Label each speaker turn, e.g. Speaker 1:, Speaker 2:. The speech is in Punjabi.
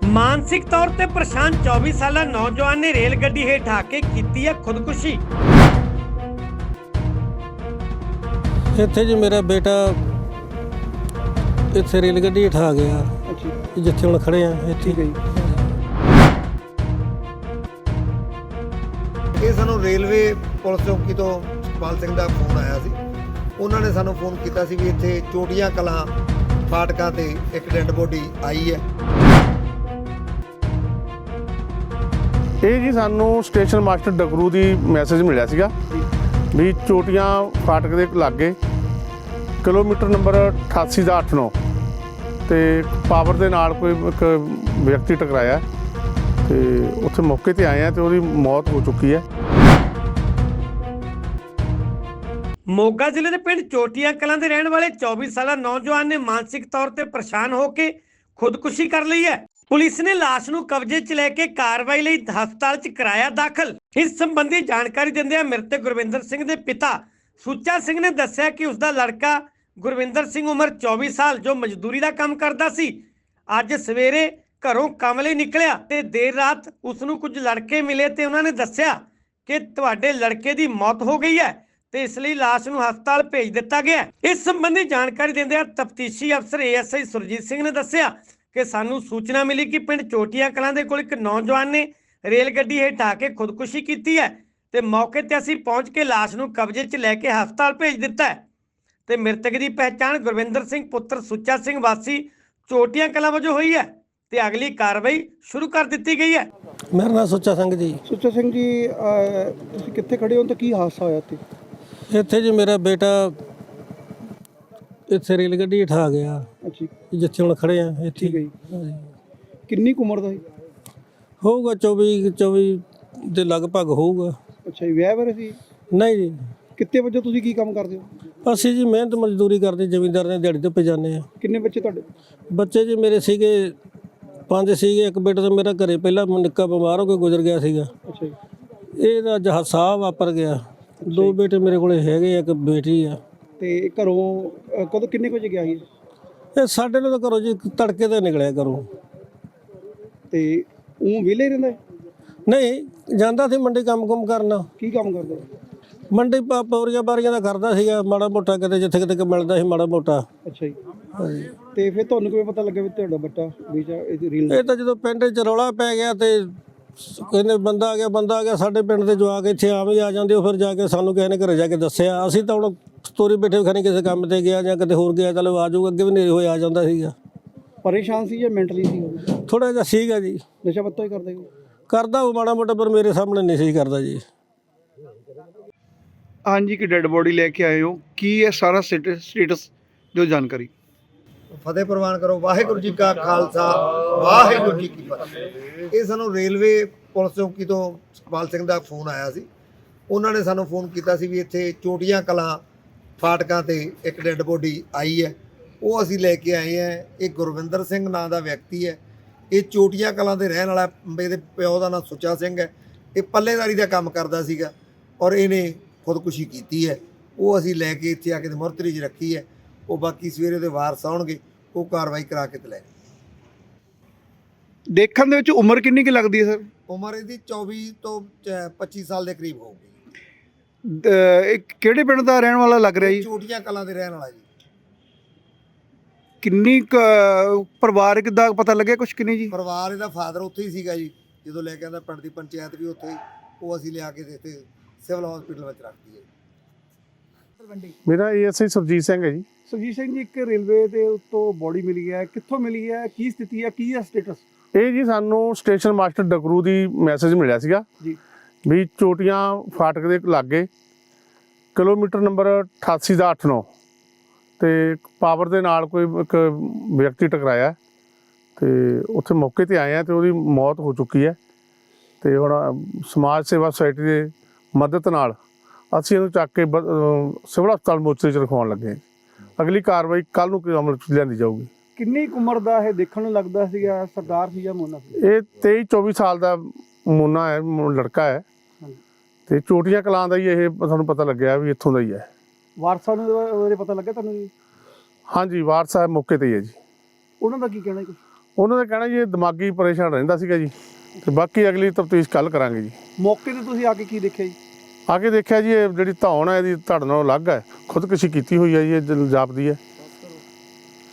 Speaker 1: ਮਾਨਸਿਕ ਤੌਰ ਤੇ ਪਰੇਸ਼ਾਨ 24 ਸਾਲਾ ਨੌਜਵਾਨ ਨੇ ਰੇਲ ਗੱਡੀ ਹੇਠ ਆ ਕੇ ਕੀਤੀ ਹੈ ਖੁਦਕੁਸ਼ੀ।
Speaker 2: ਇੱਥੇ ਜੀ ਮੇਰਾ ਬੇਟਾ ਇੱਥੇ ਰੇਲ ਗੱਡੀ ਹੇਠ ਆ ਗਿਆ। ਜਿੱਥੇ ਹੁਣ ਖੜੇ ਆ ਇੱਥੇ ਗਈ।
Speaker 3: ਇਹ ਸਾਨੂੰ ਰੇਲਵੇ ਪੁਲਿਸ ਚੌਕੀ ਤੋਂ ਸੁਖਪਾਲ ਸਿੰਘ ਦਾ ਫੋਨ ਆਇਆ ਸੀ। ਉਹਨਾਂ ਨੇ ਸਾਨੂੰ ਫੋਨ ਕੀਤਾ ਸੀ ਵੀ ਇੱਥੇ ਚੋਟੀਆਂ ਕਲਾਂ ਫਾਟਕਾਂ ਤੇ ਇੱਕ ਡੈੱਡ ਬੋਡੀ ਆਈ ਹੈ।
Speaker 4: ਇਹ ਜੀ ਸਾਨੂੰ ਸਟੇਸ਼ਨ ਮਾਸਟਰ ਡਗਰੂ ਦੀ ਮੈਸੇਜ ਮਿਲਿਆ ਸੀਗਾ ਵੀ ਚੋਟੀਆਂ ਫਾਟਕ ਦੇ ਲਾਗੇ ਕਿਲੋਮੀਟਰ ਨੰਬਰ 88 ਦਾ 89 ਤੇ ਪਾਵਰ ਦੇ ਨਾਲ ਕੋਈ ਇੱਕ ਵਿਅਕਤੀ ਟਕਰਾਇਆ ਤੇ ਉੱਥੇ ਮੌਕੇ ਤੇ ਆਏ ਆ ਤੇ ਉਹਦੀ ਮੌਤ ਹੋ ਚੁੱਕੀ ਹੈ।
Speaker 1: ਮੋਗਾ ਜ਼ਿਲ੍ਹੇ ਦੇ ਪਿੰਡ ਚੋਟੀਆਂ ਕਲਾਂ ਦੇ ਰਹਿਣ ਵਾਲੇ 24 ਸਾਲਾ ਨੌਜਵਾਨ ਨੇ ਮਾਨਸਿਕ ਤੌਰ ਤੇ ਪਰੇਸ਼ਾਨ ਹੋ ਕੇ ਖੁਦਕੁਸ਼ੀ ਕਰ ਲਈ ਹੈ। ਪੁਲਿਸ ਨੇ ਲਾਸ਼ ਨੂੰ ਕਬਜ਼ੇ 'ਚ ਲੈ ਕੇ ਕਾਰਵਾਈ ਲਈ ਹਸਪਤਾਲ 'ਚ ਕਰਾਇਆ ਦਾਖਲ। ਇਸ ਸੰਬੰਧੀ ਜਾਣਕਾਰੀ ਦਿੰਦਿਆਂ ਮ੍ਰਿਤਕ ਗੁਰਵਿੰਦਰ ਸਿੰਘ ਦੇ ਪਿਤਾ ਸੁੱਚਾ ਸਿੰਘ ਨੇ ਦੱਸਿਆ ਕਿ ਉਸ ਦਾ ਲੜਕਾ ਗੁਰਵਿੰਦਰ ਸਿੰਘ ਉਮਰ 24 ਸਾਲ ਜੋ ਮਜ਼ਦੂਰੀ ਦਾ ਕੰਮ ਕਰਦਾ ਸੀ, ਅੱਜ ਸਵੇਰੇ ਘਰੋਂ ਕੰਮ ਲਈ ਨਿਕਲਿਆ ਤੇ ਦੇਰ ਰਾਤ ਉਸ ਨੂੰ ਕੁਝ ਲੜਕੇ ਮਿਲੇ ਤੇ ਉਹਨਾਂ ਨੇ ਦੱਸਿਆ ਕਿ ਤੁਹਾਡੇ ਲੜਕੇ ਦੀ ਮੌਤ ਹੋ ਗਈ ਹੈ ਤੇ ਇਸ ਲਈ ਲਾਸ਼ ਨੂੰ ਹਸਪਤਾਲ ਭੇਜ ਦਿੱਤਾ ਗਿਆ। ਇਸ ਸੰਬੰਧੀ ਜਾਣਕਾਰੀ ਦਿੰਦਿਆਂ ਤਫਤੀਸ਼ੀ ਅਫਸਰ ASI ਸੁਰਜੀਤ ਸਿੰਘ ਨੇ ਦੱਸਿਆ ਕਿ ਸਾਨੂੰ ਸੂਚਨਾ ਮਿਲੀ ਕਿ ਪਿੰਡ ਚੋਟੀਆਂ ਕਲਾਂ ਦੇ ਕੋਲ ਇੱਕ ਨੌਜਵਾਨ ਨੇ ਰੇਲ ਗੱਡੀ ਹੇਠ ਆ ਕੇ ਖੁਦਕੁਸ਼ੀ ਕੀਤੀ ਹੈ ਤੇ ਮੌਕੇ ਤੇ ਅਸੀਂ ਪਹੁੰਚ ਕੇ ਲਾਸ਼ ਨੂੰ ਕਬਜ਼ੇ 'ਚ ਲੈ ਕੇ ਹਸਪਤਾਲ ਭੇਜ ਦਿੱਤਾ ਹੈ ਤੇ ਮ੍ਰਿਤਕ ਦੀ ਪਹਿਚਾਣ ਗੁਰਵਿੰਦਰ ਸਿੰਘ ਪੁੱਤਰ ਸੁੱਚਾ ਸਿੰਘ ਵਾਸੀ ਚੋਟੀਆਂ ਕਲਾਂ ਵਜੋਂ ਹੋਈ ਹੈ ਤੇ ਅਗਲੀ ਕਾਰਵਾਈ ਸ਼ੁਰੂ ਕਰ ਦਿੱਤੀ ਗਈ ਹੈ।
Speaker 2: ਮੇਰਾ ਨਾਮ ਸੁੱਚਾ ਸਿੰਘ ਜੀ।
Speaker 5: ਸੁੱਚਾ ਸਿੰਘ ਜੀ, ਤੁਸੀਂ ਕਿੱਥੇ ਖੜੇ ਹੋ ਤੇ ਕੀ ਹਾਦਸਾ ਹੋਇਆ
Speaker 2: ਇੱਥੇ ਜੀ ਮੇਰਾ ਬੇਟਾ ਇੱਥੇ ਰੇਲ ਗੱਡੀ ਹੇਠ ਆ ਗਿਆ।
Speaker 5: ਅੱਛਾ,
Speaker 2: ਜਿੱਥੇ ਹੁਣ ਖੜੇ ਆ ਇੱਥੇ
Speaker 5: ਗਈ। ਕਿੰਨੀ ਕੁ ਉਮਰ ਦਾ ਸੀ?
Speaker 2: ਹੋਊਗਾ 24 ਦੇ ਲਗਭਗ ਹੋਊਗਾ।
Speaker 5: ਅੱਛਾ ਜੀ, ਵਿਆਹ ਬਾਰੇ ਸੀ?
Speaker 2: ਨਹੀਂ ਜੀ,
Speaker 5: ਕਿੱਤੇ ਵਜੇ ਤੁਸੀਂ ਕੀ ਕੰਮ ਕਰਦੇ ਹੋ?
Speaker 2: ਅਸੀਂ ਜੀ ਮਿਹਨਤ ਮਜ਼ਦੂਰੀ ਕਰਦੇ, ਜ਼ਮੀਂਦਾਰ ਨੇ ਦਿਹਾੜੀ ਤੇ ਜਾਂਦੇ ਆ।
Speaker 5: ਕਿੰਨੇ ਬੱਚੇ ਤੁਹਾਡੇ?
Speaker 2: ਬੱਚੇ ਜੀ ਮੇਰੇ ਸੀਗੇ 5 ਸੀਗੇ। ਇੱਕ ਬੇਟਾ ਤਾਂ ਮੇਰਾ ਘਰੇ ਪਹਿਲਾਂ ਨਿੱਕਾ ਬਿਮਾਰ ਹੋ ਕੇ ਗੁਜ਼ਰ ਗਿਆ ਸੀਗਾ।
Speaker 5: ਅੱਛਾ ਜੀ।
Speaker 2: ਇਹਦਾ ਹਾਦਸਾ ਵਾਪਰ ਗਿਆ। 2 ਬੇਟੇ ਮੇਰੇ ਕੋਲੇ ਹੈਗੇ, ਇੱਕ ਬੇਟੀ ਆ।
Speaker 5: ਤੇ ਘਰੋਂ ਕਦੋਂ ਕਿੰਨੇ ਕੁ ਵਜੇ ਗਿਆ ਸੀ?
Speaker 2: ਇਹ ਸਾਡੇ ਨੂੰ ਤਾਂ ਘਰੋਂ ਜੀ ਤੜਕੇ ਤੇ ਨਿਕਲਿਆ ਘਰੋਂ।
Speaker 5: ਤੇ ਉਹ ਵਿਹਲੇ ਰਹਿੰਦਾ?
Speaker 2: ਨਹੀਂ, ਜਾਂਦਾ ਸੀ ਮੰਡੀ ਕੰਮ ਕਰਨਾ।
Speaker 5: ਕੀ ਕੰਮ ਕਰਦਾ?
Speaker 2: ਮੰਡੀ ਪੌਰੀਆਂ ਬਾਰੀਆਂ ਦਾ ਕਰਦਾ ਸੀਗਾ, ਮਾੜਾ ਮੋਟਾ ਕਿਤੇ ਜਿੱਥੇ ਕਿਤੇ ਮਿਲਦਾ ਸੀ ਮਾੜਾ ਮੋਟਾ।
Speaker 5: ਅੱਛਾ ਜੀ। ਤੇ ਫਿਰ ਤੁਹਾਨੂੰ ਕਿਵੇਂ ਪਤਾ ਲੱਗਿਆ ਵੀ ਤੁਹਾਡਾ ਬੱਚਾ ਰੀਲ?
Speaker 2: ਇਹ ਤਾਂ ਜਦੋਂ ਪਿੰਡ 'ਚ ਰੌਲਾ ਪੈ ਗਿਆ ਤੇ ਕਹਿੰਦੇ ਬੰਦਾ ਆ ਗਿਆ ਸਾਡੇ ਪਿੰਡ ਦੇ ਜਵਾਕ ਇੱਥੇ ਆਮ ਹੀ ਆ ਜਾਂਦੇ ਉਹ। ਫਿਰ ਜਾ ਕੇ ਸਾਨੂੰ ਕਿਸੇ ਨੇ ਘਰੇ ਜਾ ਕੇ ਦੱਸਿਆ। ਅਸੀਂ ਤਾਂ ਹੁਣ ਸਟੋਰੀ ਬੈਠੇ ਖਣੀ ਕਿਸੇ ਕੰਮ ਤੇ ਗਿਆ ਜਾਂ ਕਿਤੇ ਹੋਰ ਗਿਆ, ਚਲੋ ਆ ਜਾਊਗਾ। ਅੱਗੇ ਵੀ ਨੇਰੇ ਹੋਏ ਆ ਜਾਂਦਾ ਸੀਗਾ।
Speaker 5: ਪਰੇਸ਼ਾਨ ਸੀ ਜਾਂ ਮੈਂਟਲੀ ਸੀ?
Speaker 2: ਥੋੜਾ ਜਿਹਾ ਸੀਗਾ ਜੀ।
Speaker 5: ਨਸ਼ਾ ਪੱਤਾ ਹੀ
Speaker 2: ਕਰਦਾ ਉਹ ਮਾੜਾ ਮੋਟਾ, ਪਰ ਮੇਰੇ ਸਾਹਮਣੇ ਨਹੀਂ ਸੀ ਕਰਦਾ ਜੀ।
Speaker 5: ਹਾਂਜੀ, ਕਿ ਡੈੱਡ ਬੋਡੀ ਲੈ ਕੇ ਆਏ ਹੋ, ਕੀ ਹੈ ਸਾਰਾ ਸਟੇਟਸ ਜੋ ਜਾਣਕਾਰੀ?
Speaker 3: ਫਤਿਹ ਪ੍ਰਵਾਨ ਕਰੋ। ਵਾਹਿਗੁਰੂ ਜੀ ਕਾ ਖਾਲਸਾ, ਵਾਹਿਗੁਰੂ ਜੀ ਕੀ ਫਤਿਹ। ਇਹ ਸਾਨੂੰ ਰੇਲਵੇ ਪੁਲਿਸ ਚੌਕੀ ਤੋਂ ਸੁਖਪਾਲ ਸਿੰਘ ਦਾ ਫੋਨ ਆਇਆ ਸੀ। ਉਹਨਾਂ ਨੇ ਸਾਨੂੰ ਫੋਨ ਕੀਤਾ ਸੀ ਵੀ ਇੱਥੇ ਚੋਟੀਆਂ ਕਲਾਂ ਫਾਟਕਾਂ ਤੇ ਇੱਕ ਡੈੱਡ ਬੋਡੀ ਆਈ ਹੈ। ਉਹ ਅਸੀਂ ਲੈ ਕੇ ਆਏ ਹਾਂ। ਇਹ ਗੁਰਵਿੰਦਰ ਸਿੰਘ ਨਾਂ ਦਾ ਵਿਅਕਤੀ ਹੈ। ਇਹ ਚੋਟੀਆਂ ਕਲਾਂ ਦੇ ਰਹਿਣ ਵਾਲਾ। ਇਹਦੇ ਪਿਓ ਦਾ ਨਾਂ ਸੁੱਚਾ ਸਿੰਘ ਹੈ। ਇਹ ਪੱਲੇਦਾਰੀ ਦਾ ਕੰਮ ਕਰਦਾ ਸੀਗਾ ਔਰ ਇਹਨੇ ਖੁਦਕੁਸ਼ੀ ਕੀਤੀ ਹੈ। ਉਹ ਅਸੀਂ ਲੈ ਕੇ ਇੱਥੇ ਆ ਕੇ ਮੁਰਤਰੀ 'ਚ ਰੱਖੀ ਹੈ। ਉਹ ਬਾਕੀ ਸਵੇਰੇ ਉਹਦੇ ਵਾਰਸ ਆਉਣਗੇ, ਉਹ ਕਾਰਵਾਈ ਕਰਾ ਕੇ ਤੇ ਲੈ।
Speaker 5: ਦੇਖਣ ਦੇ ਵਿੱਚ ਉਮਰ ਕਿੰਨੀ ਕੁ ਲੱਗਦੀ ਹੈ ਸਰ?
Speaker 3: ਉਮਰ ਇਹਦੀ 24 ਤੋਂ 25 ਸਾਲ ਦੇ ਕਰੀਬ ਹੋਊਗੀ।
Speaker 5: ਇਹ ਕਿਹੜੇ ਪਿੰਡ ਦਾ ਰਹਿਣ ਵਾਲਾ ਲੱਗ ਰਿਹਾ ਜੀ?
Speaker 3: ਚੋਟੀਆਂ ਕਲਾਂ ਦੇ ਰਹਿਣ ਵਾਲਾ ਜੀ।
Speaker 5: ਕਿੰਨੀ ਪਰਿਵਾਰਕ ਦਾ ਪਤਾ ਲੱਗਿਆ ਕੁਛ ਕਿ ਨਹੀਂ ਜੀ?
Speaker 3: ਪਰਿਵਾਰ ਇਹਦਾ ਫਾਦਰ ਉੱਥੇ ਹੀ ਸੀਗਾ ਜੀ ਜਦੋਂ ਲੈ ਕੇ ਆਂਦਾ। ਪਿੰਡ ਦੀ ਪੰਚਾਇਤ ਵੀ ਉੱਥੇ, ਉਹ ਅਸੀਂ ਲਿਆ ਕੇ ਇੱਥੇ ਸਿਵਲ ਹਸਪੀਟਲ ਵਿੱਚ ਰੱਖਦੀ ਹੈ।
Speaker 4: ਮੇਰਾ ASI ਸੁਰਜੀਤ ਸਿੰਘ ਹੈ ਜੀ।
Speaker 5: ਸੁਰਜੀਤ ਸਿੰਘ ਜੀ, ਇੱਕ ਰੇਲਵੇ ਦੇ ਉੱਤੋਂ ਬੋਡੀ ਮਿਲੀ ਹੈ, ਕਿੱਥੋਂ ਮਿਲੀ ਹੈ, ਕੀ ਸਥਿਤੀ ਹੈ, ਕੀ ਹੈ ਸਟੇਟਸ?
Speaker 4: ਇਹ ਜੀ ਸਾਨੂੰ ਸਟੇਸ਼ਨ ਮਾਸਟਰ ਡਗਰੂ ਦੀ ਮੈਸੇਜ ਮਿਲਿਆ ਸੀਗਾ
Speaker 5: ਜੀ
Speaker 4: ਵੀ ਚੋਟੀਆਂ ਫਾਟਕ ਦੇ ਲਾਗੇ ਕਿਲੋਮੀਟਰ ਨੰਬਰ 88 ਦਾ 89 ਤੇ ਪਾਵਰ ਦੇ ਨਾਲ ਕੋਈ ਇੱਕ ਵਿਅਕਤੀ ਟਕਰਾਇਆ ਤੇ ਉੱਥੇ ਮੌਕੇ ਤੇ ਆਏ ਆ ਤੇ ਉਹਦੀ ਮੌਤ ਹੋ ਚੁੱਕੀ ਹੈ। ਤੇ ਹੁਣ ਸਮਾਜ ਸੇਵਾ ਸੁਸਾਇਟੀ ਦੇ ਮਦਦ ਨਾਲ ਅਸੀਂ ਇਹਨੂੰ ਚੱਕ ਕੇ ਸਿਵਲ ਹਸਪਤਾਲ ਮੋਚਰੇ 'ਚ ਰਖਵਾਉਣ ਲੱਗੇ। ਅਗਲੀ ਕਾਰਵਾਈ ਕੱਲ੍ਹ ਨੂੰ ਅਮਲ 'ਚ ਲਿਆਂਦੀ ਜਾਊਗੀ।
Speaker 5: ਕਿੰਨੀ ਉਮਰ ਦਾ ਇਹ ਦੇਖਣ ਨੂੰ ਲੱਗਦਾ ਸੀਗਾ? ਸਰਦਾਰ ਸੀ ਜਾਂ ਮੋਨਾ ਸੀ?
Speaker 4: ਇਹ 23-24 ਸਾਲ ਦਾ ਮੋਨਾ ਹੈ, ਲੜਕਾ ਹੈ ਤੇ ਚੋਟੀਆਂ ਕਲਾਂ ਦਾ ਹੀ। ਇਹ ਸਾਨੂੰ ਪਤਾ ਲੱਗਿਆ ਵੀ ਇੱਥੋਂ ਦਾ ਹੀ ਹੈ।
Speaker 5: ਵਾਰਸਾਂ ਨੂੰ ਉਹਦੇ ਪਤਾ ਲੱਗਾ ਤੁਹਾਨੂੰ ਜੀ?
Speaker 4: ਹਾਂਜੀ, ਵਾਰਸ ਸਾਹਿਬ ਮੌਕੇ ਤੇ ਹੀ ਹੈ ਜੀ।
Speaker 5: ਉਹਨਾਂ ਦਾ ਕੀ ਕਹਿਣਾ ਜੀ?
Speaker 4: ਉਹਨਾਂ ਦਾ ਕਹਿਣਾ ਜੀ ਇਹ ਦਿਮਾਗੀ ਪਰੇਸ਼ਾਨ ਰਹਿੰਦਾ ਸੀਗਾ ਜੀ, ਤੇ ਬਾਕੀ ਅਗਲੀ ਤਫਤੀਸ਼ ਕੱਲ੍ਹ ਕਰਾਂਗੇ ਜੀ।
Speaker 5: ਮੌਕੇ ਤੇ ਤੁਸੀਂ ਆ ਕੇ ਕੀ ਦੇਖਿਆ ਜੀ?
Speaker 4: ਆ ਕੇ ਦੇਖਿਆ ਜੀ ਇਹ ਜਿਹੜੀ ਧੌਣ ਹੈ ਇਹਦੀ ਧੜ ਨਾਲੋਂ ਅਲੱਗ ਹੈ, ਖੁਦਕੁਸ਼ੀ ਕੀਤੀ ਹੋਈ ਹੈ ਜੀ, ਇਹ ਜਾਪਦੀ ਹੈ।